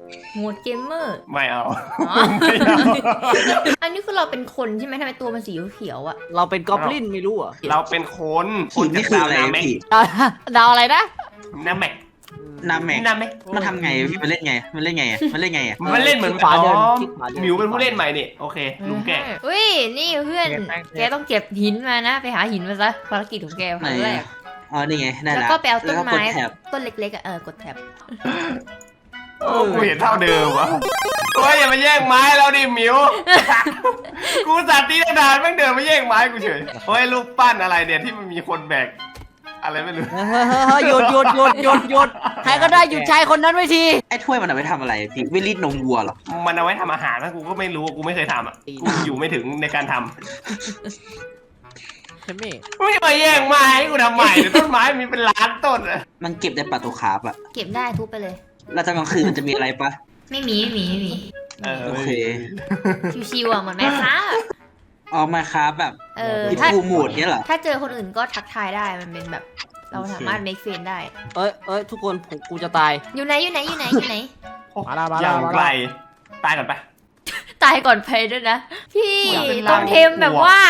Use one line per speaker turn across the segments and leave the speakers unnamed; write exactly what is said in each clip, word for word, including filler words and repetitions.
โหมดเกมเมอร์
ไม่เอา
อ๋อ
ไม่เอา
อันนี้คือเราเป็นคนใช่ไหมทำไมตัวมันสีเขียวๆอะ
เราเป็นกอบลินไม่รู้อ่ะ
เราเป็นคนค
หิ
น
นนี่คืออะไร
นาแม็ก
พี่
ดาวอะไรนะ
นาแม็ก
นาแม็ก
นาแม็ก
มันทำไงพี่มันเล่นไงมันเล่นไงอะมันเล่นไงอะ
มันเล่นเหมือน
ขวาเดิน
อ๋อ
คลิกขวาเดิน
หมิวเป็นผู้เล่นใหม่นี่โอเคลุงแก
อุ้ยนี่เพื่อนแกต้องเก็บหินมานะไปหาหินมาซะภารกิจของแก
ไหน
ครั้งแรก
อะอ๋อนี่ไงได้
แล้ว
ละ
ก็ไปเอาต้น
แล้วก็
ไม้
กดแท็บ
ต้นเล็กๆอะเออกดแท็บ
โอ้กูเห็นเท่าเดิมวะโอ้ยอย่ามาแย่งไม้เราดิหมิว กูสัตว์ตีนานแม่งเดินมาแย่งไม้กูเฉยโอ้ยรูปปั้นอะไรเนี่ยที่มันมีคนแบกอะไรไม่รู้
เฮ้ยหยุดหยุดหยุดหยุดหยุดใครก็ได้หยุดชายคนนั้นไว้ที
ไอ้ถ้วยมันเอาไว้ทำอะไรพี่วิลลี่นมวัวเหรอ
มันเอาไว้ทำอาหารนะกูก็ไม่รู้กูไม่เคยทำอ่ะกูอยู่ไม่ถึงในการทำ
ใช่ไหม
ไม่มาแย่งไม้ให้กูทำใหม่เดี๋ยวต้นไม้มีเป็นล้านต้นอะ
มันเก็บได้ปลาตัวคาร์ฟอะ
เก็บได้ทุบไปเลย
แล้วตอนกลางคืนมันจะมีอะไรปะ
ไม่มีไม่มีไม่มี
เออ
โอเค
ชิวๆอะเหมือนแม่ค้าอะ
อ๋อมาคาร์ฟแบบ
เออ
มี
ถ้า
ทูโหมดเนี้ยเหรอ
ถ้าเจอคนอื่นก็ทักทายได้มันเป็นแบบ เราสามารถ make friend ได้
เอ้ยเอ้ยทุกคนผมกูจะตาย
อยู่ไหนอยู่ไหนอยู่ไหนอยู่ไหน
มาละมา
อ
ละ
ย่าง
มา
ไกล
ละ
ตายก่อนไป
ตายก่อนเพลด้วยนะ พี่
อยากเป็น
ต้องเทมแบบว่า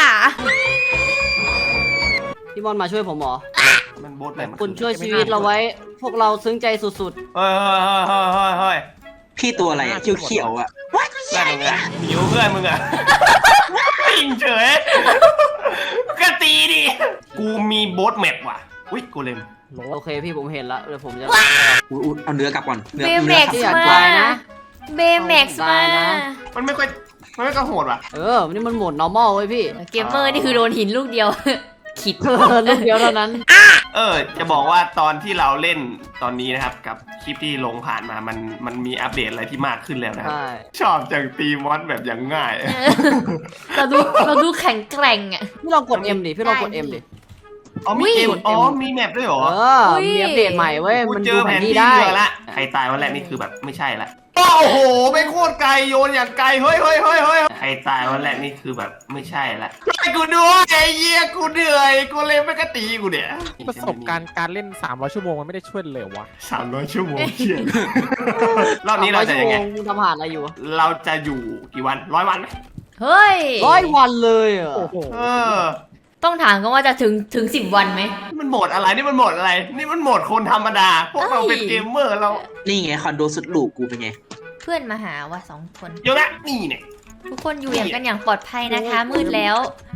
พี่บอลมาช่วยผมเหรอ
มันโบสไหนมัน
คุณช่วยชีวิตเราไว้ พวกเราซึ้งใจสุด
เฮ้ยเฮ้ยเฮ้ยเฮ้ยเฮ้ยเฮ้ย
พี่ตัวอะไรอะเขียวๆอะ
เพื่อนมึงอะหิวเพื่อนมึงอะยิงเฉยกะตีดิกูมีโบสแมปว่ะอุ้ยกูเลม
ๆ โอเคพี่ผมเห็นแล้วเดี๋ยวผมจะ
อุ๊ยอุ๊ยเอาเนื้อกลับก่อนเนื้
เบ
อ
แม็
เนื้อก ลับ
ซ์
อยาก
มา
ตายนะ
เบแม็กซ์
ตาม
าย
นะ
มันไม่ค่อยมันไม่ค่อยโหดว่ะ
เออนี่มันโหมด normal เว้ยพี่
เกมเมอร์นี่คือโดนหินลูกเดียว ขิด
ลูกเดียวเท่านั้น
เออจะบอกว่าตอนที่เราเล่นตอนนี้นะครับกับคลิปที่ลงผ่านมามันมันมีอัปเดตอะไรที่มากขึ้นแล้วนะครับ
ใช่
ชอบจังตีมอสแบบอย่างง่าย
เราดูเราดูแข็งแกร่งอ่ะ
พี่ลองกด M ดิพี่ลองกด M ดิ
อ๋อมี
อุ้ย
เกมอ๋อมีแมปด้วยเหรอ
เออ
อุ้ย
มีอัปเดตใหม่เว้ย
กู
มัน
เจ
ดู
อ
แผ
แผ
น
น
ที่
ที่
ได้
เรือละใครตายวันแรกนี่คือแบบไม่ใช่ละโอ้โหไปโคตรไกลโยนอย่างไกลเฮ้ยเฮ้ยเฮ้ยเฮ้ยใครตายวันแรกนี่คือแบบไม่ใช่ละไอ้กูด้วยไอ้เหี้ยกูเหนื่อยกูเลยไม่กระตีกูเนี่ย
ประสบการณ์การเล่นสามร้อยชั่วโมงมันไม่ได้ช่วยเลยวะ
สามร้อยชั่วโมงเชียรอบนี้เราจะยังไง
สมร้อชั่วโมมึงทำผ่านอะไรอยู่วะ
เราจะอยู่กี่วันร้อยวันไหม
เฮ้ย
ร้อยวันเลยเหรอ
โอ้โห
เออ
ต้องถามกันว่าจะถึงถึงสิบวันไหม
มันโหมดอะไรนี่มันโหมดอะไร นี่มันโหมดคนธรรมดา พวกเราเป็นเกมเมอร์เรา
นี่ไงคอนโดสุดหรูกูเป็นไง
เพื่อนมาหาว่ะสองคน
เดี๋ยวนะนี่เนี่ย
ทุกคนอยู่อย่างกันอย่างปลอดภัยนะคะ มืดแล้ว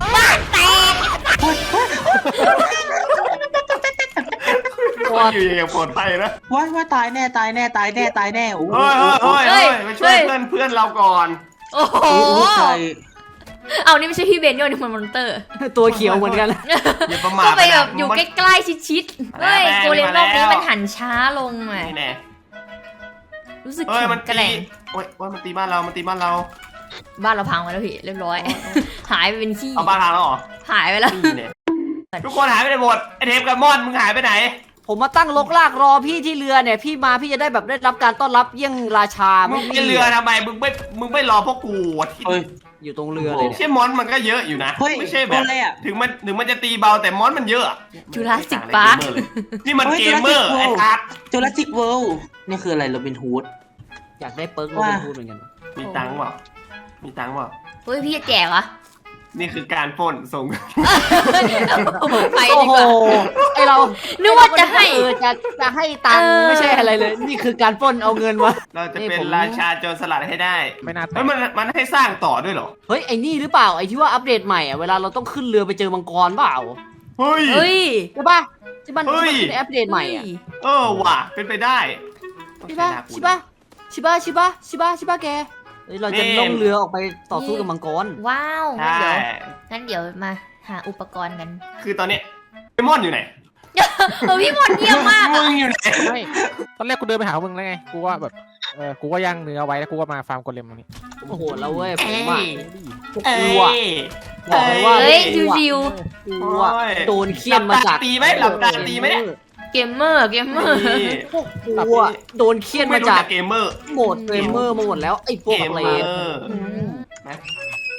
คนอยู่อย่างปลอดภัยนะ
ว้ายว่าตายแน่ตายแน่ตายแน่ตายแน่โอ้โห
เฮ้ยเฮ้ยเฮ้ย
เฮ้ย
ไปช่วย
เฮ้ย
เพื่อนเพื่อนเราก่อน
โอ้โห
โอ้โหใคร
เอานี่ไม่ใช่พี่เบนโยนี่มันมอนเตอร์
ตัวเขียวเหมือนกัน
อย่าประมาท
ก็ไปแบบ
นะ
อยู่
มัน
ใกล้ๆชิดๆเฮ้ย
มาแล้ว
โกเลมรอบนี้
มาแล้ว
มันหันช้าลงอ่ะ
นี่แน่
รู้สึก
เฮ้ย
แข็
มัน
งแก
ตี
ร่ง
โอ้ยโอ้ยมันตีบ้านเรา มันตีบ้านเรา
บ้านเราพังไปแล้วพี่เรียบร้อย หายไปเป็นขี้
เอาบ้านทางแล้วเหรอ
หายไปแล้ว
นี่เนี่ยทุกคนหายไปไหนหมดไอเทปกับมอนมึงหายไปไหน
ผมมาตั้งลกลากรอพี่ที่เรือเนี่ย พี่มาพี่จะได้แบบได้รับการต้อนรับเยี่ยงราชา
มึงไปเรือทำไม มึงไม่ มึงไม่รอพวกกูวะที่
เฮ้ย
อยู่ตรงเรือเลยเนี่ย
ใช่มอนมันก็เยอะอยู่นะ
เฮ้ย
ไม่ใช่แบ
ตั
บ
วอะไรอะ
ถึงมันถึงมันจะตีเบาแต่มอนมันเยอะอะ
จูราสสิกปาร์ค
นี่มัน
เฮ้ย
เกมเมอร์
Jurassic
ไอ้
World
ทัก
จูราสสิกเวิลด์นี่คืออะไรโรบินฮูด
อยากได้เปิร์กโร
ว่า
บินฮูดเหมือนกัน
มีตังค์เปล่ามีตังค์เปล่า
เฮ้ยพี่จะแจกเหรอ
นี่คือการปล้นส่ง
ไป
โอ้
ดี
โห
กว่า
ไอเรา
นึกว่าจะให้
เออจะจะให้ตังค์
เออ
ไม่ใช่อะไรเลย นี่คือการปล้นเอาเงินมา
เราจะ
นี่
เป็น
ผม
ราชาโจรสลัดให้ได้
ไม่น่าแต
เฮ้ย
ก
มันมันให้สร้างต่อด้วยเหรอ
เฮ้ยไอ้นี่หรือเปล่าไอ้ที่ว่าอัปเดตใหม่อ่ะเวลาเราต้องขึ้นเรือไปเจอมังกรเปล่า
เฮ้ย
เฮ้ย
ใช่ป่ะที่มัน
เฮ้ย
ที่มันเป็นอัปเดตใหม่อ่ะ
เออว่ะเป็นไปได้
ใช่ป่ะใช่ป่ะใช่ป่ะใช่ป่ะใช่ป่ะใช่ป่ะแกเฮ้ยเราจะล่องเรือออกไปต่อสู้กับมังกร
ว้าว
ใช่
งั้นเดี๋ยวงั้นเดี๋ยวมาหาอุปกรณ์กัน
คือตอนเนี้ยไอมอนอยู่ไหน
เออพี่มนต์เยี่ยมมาก
มึ
อะ
งอยู่ไหน
ไม่ตอนแรกกูเดินไปหามึงแล้วไงกูว่าแบบเออกูก็ย่างเนื้อไว้แล้วกูก็มาฟาร์มโกเลมตรงนี้
โอ้โหแล้วเว้ยผม
เอ้
อ่ะ
ย
พวก
เอ้
กูอ่ะ
ย
บอกเลยว่า
เฮ้ย
พวกกู
ชิว
อ่ะกูอ่ะ
โอ้ย
โดนเคี่ยนมาจาก
หลับตาตีไหมหลับตาตีไหมเนี่ย
ๆเกมเมอร์เกมเมอร์
นี่
พวกกูอ่ะโดนเคี่ยน
ไม่
มา
รู้
จาก
จักเกมเมอร์
โหมดเกมเมอร์มาหมดแล้วไอ้พวก
เกม
อะไร
เมอ
อะ
ร์
อืม
นะ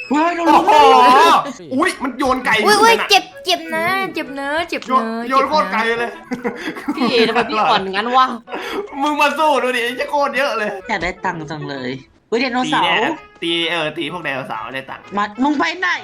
เฮ้ยโดน
โอ้
ลุม
โหอุ้ยมันโยนไก่
อุ้ยอุ้ย
นั่นน่ะ
เจ็บเจ็บนะเจ็บเนื้อเจ็บ
โย
เนื้
น
อ
โยนโคตรไกลเลย
พี่ทำไมพี่อ่อนงั้นวะ
มึงมาสู้ดูดิจะโคตรเยอะเลย
อยากได้ตังค์จังเลยเฮ้ยไดโน
ตี
เสา
เนี่ย
ร์
ตีเออตีพวกไดโนเสาร์ได้ตังค์
มามึงไปไหน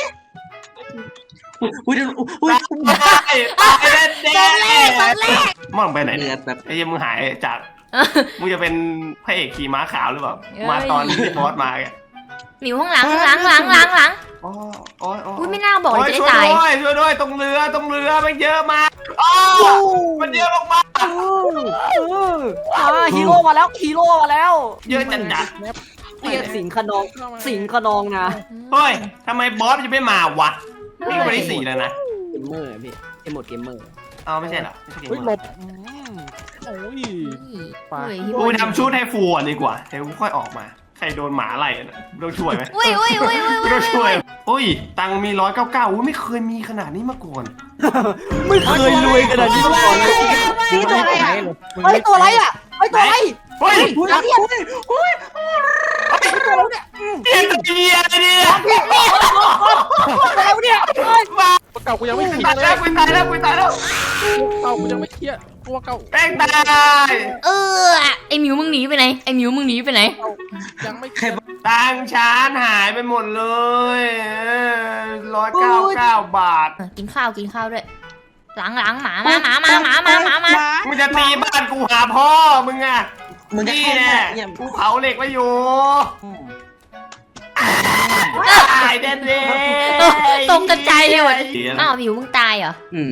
อุ้ยเดี๋ยวอุ้ย
ตายตายแน่
ตอนแรกตอนแรก
ๆมึงไปไหน
เลื
เนี่
อย ดแบบ
ไอ้ยังมึงหายจากมึงจะเป็นพระเอกขี่ม้าขาวหรือเปล่า
เอ้ย
มาตอนที่บอสมาแก
หมิวข้างหลังข้างหลังหลังหลังหลัง
อ๋ออ๋ออ๋อ
อุ้ยไม่น่าบอกเลยจะ
ช่
ได้
วย
ตาย
ด้วยช่วยด้วยตรงเรือตรงเรือมันเยอะมากอ๋อมันเยอะมาก
เออเอออ่าฮีโร่มาแล้วฮีโร่มาแล้ว
ๆเยอะจัดจัด
เรียกสิงขนองสิงขนองนะ
เฮ้ยทำไมบอสมันจะไม่มาวะนี่ก็วันที่สี่แล้วนะ
เกมเมอร์พี่ไอโหมดเกมเมอร์
เอาไม่ใช่เหรอไม่ใช่เกม
เฮ้ยห
เม
ล
อร์
บอืมโอ้ย ไป
เฮ้ยฮิ
กู
โร่
ทำชุดให้ฟูก่อนดีกว่าเดี๋ยวกูค่อยออกมาใครโดนหมาไล่อะต้องช่วยไหม
อุ้ยอุ้ยอุ้ยอุ้ย
ไม่ต้องช่วยอุ้ยตังค์มีร้อยเก้าเก้าอุ้ยไม่เคยมีขนาดนี้มาก่อน
ไม่เคยรวยขนาดนี้มาก่อนเลย
มึงไม่ได้ใช้เลยมึง
เฮ้ยตัวอะไรอ่ะเฮ้ยตัวอะไร
เฮ้ย
เฮ้ยเฮ้ยเฮ้ยตัวอะไรเนี่ย
เอ็นเดียเนี่ย
ตัวอะไรเนี่ยเฮ้ย
มา
ตัวเก่ากูยังไม่เคลีย
ตาย
ร์เล
แล้ว
ย
กูตายแล้วกูตายแล้ว
ตัวเก่ากูยังไม่เคลียร์ตัวเก่า
แป้งตาย
เออไอหมิวมึงหนีไปไหนไอหมิวมึงหนีไปไหน
ยังไม่เค
ใคร
ลียร์
บอก
ตังค์ชานหายไปหมดเลยร้อยเก้าเก้าบาท
เออกินข้าวกินข้าวด้วยหลังหลังหมามาหมามาหมามาหมามา
มึงจะตีบ้านกูหาพ่อมึงอะ
มึงจะ
นี่
แค่
แน่
เนี่ย
กูเผาเหล็กไว้อยู่ตายแน่เลย
ตกกระจายเลยว่ะอ้าวหมิวมึงตายเหรอ
อืม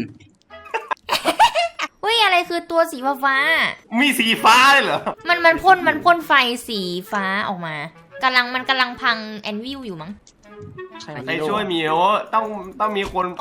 เฮ้ยอะไรคือตัวสีฟ้าฟ้า
มีสีฟ้าเลยเหรอ
ๆมันมันพ่นมันพ่นไฟสีฟ้าออกมากำลังมันกำลังพังแอนวิวอยู่มั้ง
ใคร
ใครช่วยหมิวต้องต้องมีคน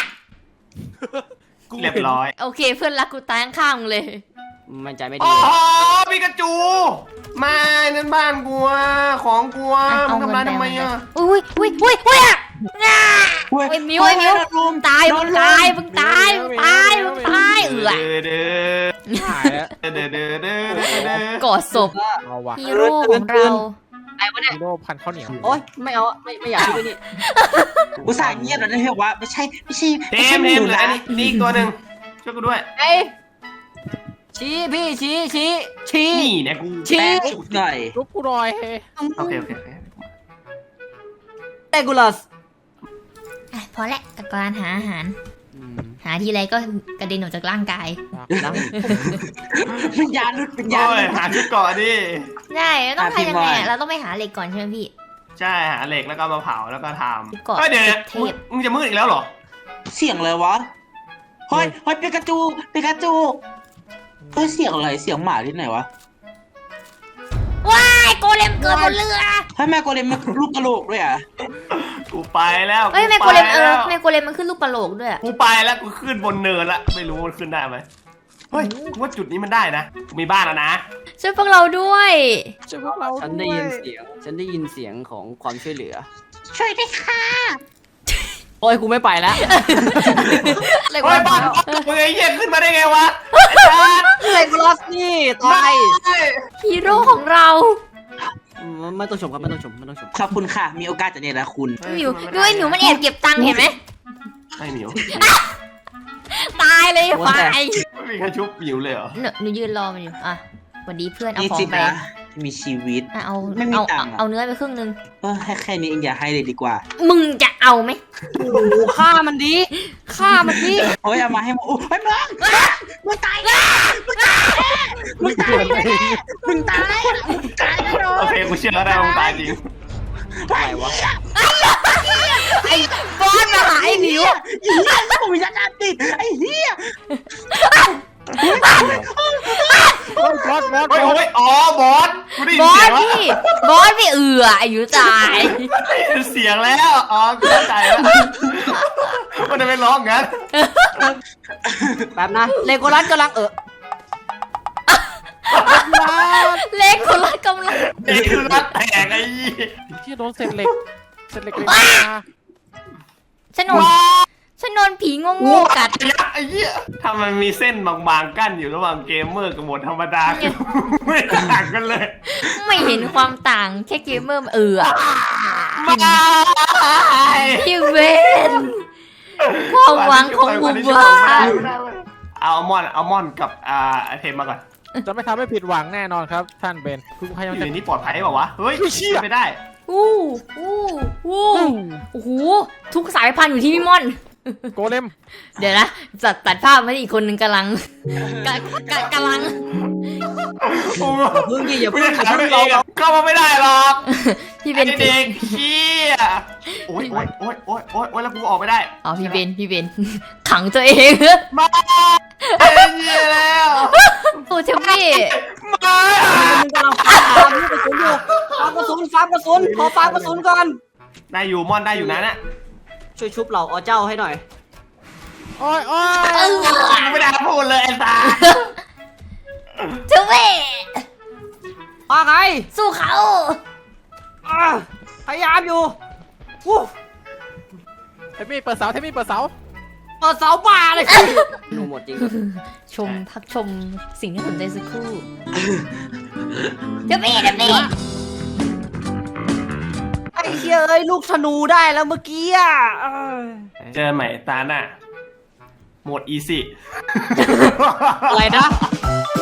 เรียบร้อย
โอเคเพื่อนรักกูตายข้างๆมึงเลย
มันใจไม่ดี
โอ้โหปิกาจูมานั่นบ้านกูอะของกูอะมึงทำร้ายทำไมอะ
อุ้ยอุ้ยอุ้ยอุ้ยอ่ะง่าไอ้มิวไอ้มิวตายมึงตายมึงตายมึงตายมึงตายเอือ
เด้อ
หายแล้ว
เด้อเด้อเด้อเด้อเด้อเด้อก
อดศพ
เอาวะ
ฮีโร่ของเรา
ไอ้วะเนี่ย
ฮีโร่พันข้าวเหนียว
โอ๊ยไม่เอาไม่ไม่อยากคิดด้วยนี่
อุตส่าห์เงียบแล้วนะเฮ้ยว่าไม่ใช่ไม่ใช่
เท
ไม่ใช่
ม
ห
เทม
นู
เหลือ
นะ
อันนี้นี่อีกตัวหนึ่งช่วยกูด้วย
เอ้ยชี้พี่ชี้ชี้ชี้
นี่เนี่ยกู
ชี้
แป๊บหน่อย
ลุกกูหน่อยเฮ้ย
โอเคโอเคโอเค
เตกูลัส
อ่ะพอละกับการหาอาหาร หาทีไรก็กระเด็นออกจากร่างกาย
วิญญาณหลุดวิญญาณ
โอ้
ห
ย
ลุด
หาชุดเกาะดิ
ใช่แล้วต้อง
อ่ะพี่
ทำยังไง
บอย
อ่ะเราต้องไปหาเหล็กก่อนใช่ไหมพี่
ใช่หาเหล็กแล้วก็มาเผาแล้วก็ท
ชุด
ำ
เกาะ
เฮ้ยเดี๋ยว
เท
มึง
พ
มึงจะมืดอีกแล้วเหรอ
เสียงอะไรวะเฮ้ยเฮ้ยปิกาจูปิกาจูเฮ้ยเสียงอะไรเสียงหมาที่ไหนวะ
ว้ายโกเลมเกิดบนเรือ
เฮ้ยแม่โกเลมมันลูกกระโหลกด้วยอ่ะ
กูไปแล้ว
เอ้ยแม่โก
ไป
เลมเออ
แล้ว
แม่โกเลมมันขึ้นลูกปลาโหลกด้วย
กูไปแล้วกูขึ้นบนเนินละไม่รู้มันขึ้นได้ไหมเฮ้ยกูว่าจุดนี้มันได้นะกูมีบ้านแล้วนะ
ช่วยพวกเราด้วย
ช่วยพวกเรา
ฉันได้ยินเสียง ฉันได้ยินเสียงของความช่วยเหลือ
ช่วยด้วยค่ะ
โอ้ยกูไม่ไปแล้ว
เหล็ก
เฮ้
วั
ย
น
บ้านมึงไอ้เหี้ยขึ้นมาได้ไงวะ
เตกูลัสนี่ตาย
ฮีโร่ของเรา
อืมไม่ต้องชมครับไม่ต้องชมไม่ต้องชม
ขอบคุณค่ะ มีโอกาสจะเนรคุณ
หมิวดูไอ้หมิวมันแอบเก็บตังค์เห็นไหม
ไม่หมิว
ตายเลยไฟ
ไม่มีใครชุบหมิวเลยเหรอ
หนูหนูยืนรอมันอยู่อ่ะสวัสดีเพื่อนเอา
นี่
ขอ
สิ
งไป
นะที่มีชีวิต
อ่ะเอา
ไม่มี
เอา
ตั
เอา
งค์อะ
เอาเนื้อไปครึ่งนึง
เออให้แค่นี้เองอย่าให้เลยดีกว่า
มึงจะเอาไหม
โอ้โหฆ่ามันดีฆ่ามันดี
โอ้ยเอามาให้หมดโอ้ยเฮ้ยมึงมึงตายแน่มึงตายแน่มึงตายแน่มึงตายมึงตายแน่นอ
โอน เคกูเชื่อได้ว่ามึงตายจริง
อะไรวะ
ไอ้บอสมาหาไอ้หมิว
ไอ้เหี้ยผมวิญญาณติดไอ้เหี้ย
เฮ้ยบอสบอสบอ
เฮ้ย
ส
เฮ้ยอ๋อบอสกูได้ยิ
บ
น
อ
เสีย
ส
งแล้ว
พี่บอสพี่เอืออายุตาย
ได้ยินเสียงแล้วอ๋อกูเข้าใจแล้วมันจะไปร้องงั้น
แป๊บนะเลโกลัสกำลังเออ
เล็กคนละกำลัง
เด็กคือรักแตกไอ้ยี่
ที่โดนเศษเหล็กเศษเหล็กเลยมา
ฉันโดนฉันโดนผีโง่ๆกัด
ยักษ์ไอ้เหี้ยถ้ามันมีเส้นบางๆกั้นอยู่ระหว่างเกมเมอร์กับโหมดธรรมดาคือไม่ต่างกันเลย
ไม่เห็นความต่างแค่เกมเมอร์เอือ
มา
พี่เวนความหวังของหมู่บ้าน
เอาอัลมอนด์อัลมอนด์กับอ่าไอเทมมาก่อน
จะไม่ทำให้ผิดหวังแน่นอนครับท่านเบนคุณพยายาม
อยู่
จะ
ในนี้ปลอดภัยเปล่าวะเฮ้ยไม่ได้
อู้อู้อู้โอ้โหทุกสายพันธุ์อยู่ที่พี่ม่อน
โกเลม
เดี๋ยวนะจัดตัดภาพมาที่อีกคนหนึ่งกำลังกะกะกำลัง
โอ้
อย่าพึ่งดิอย่า
ไม่
พึ่ง
ได้
อย่า
ขาย
พึ่
ตัว
ง
เอ
เรา
งเข้ามาไม่ได้หรอก
พี่เบ
ไอ้
น
เด็กเขี้ยโอ๊ยโอ๊ยโอ๊ยโอ๊ยโอ๊ยโอ๊ยแล้วกูออกไม่ได้
อ๋อพี่เบนพี่เบนขังตัวเอง
มาเอ้ยเหี้ยแล้ว
โอ้เทมมี่
มา
มึงกำลังฟาร์มลูกกระสุนอยู่ฟาร์มกระสุนฟาร์มกระสุนขอฟาร์มกระสุนก่อน
ได้อยู่มอนได้อยู่นะน่ะ
ช่วยชุบเหล่าอเจ้าให้หน่อย
โอ้ยโอ้ย
เออ
ไม่ได้พูดเลยไอ้ตา
เทมมี่
มาไง
สู้เขา
อ่ะพยายามอยู่วู้
เทมี่เปิดเสาเทมี่เปิดเสา
เปิดเสาป่าเลยดูหมดจริง
ชมพักชมสิ่งที่สนใจสักครู่เทมมี่เทมมี่
ไอ้เหี้ยเอ้ยลูกธนูได้แล้วเมื่อกี้อ่ะเออ
เจอใหม่ตาหน้าโหมดอีซี่
อะไรนะ
เ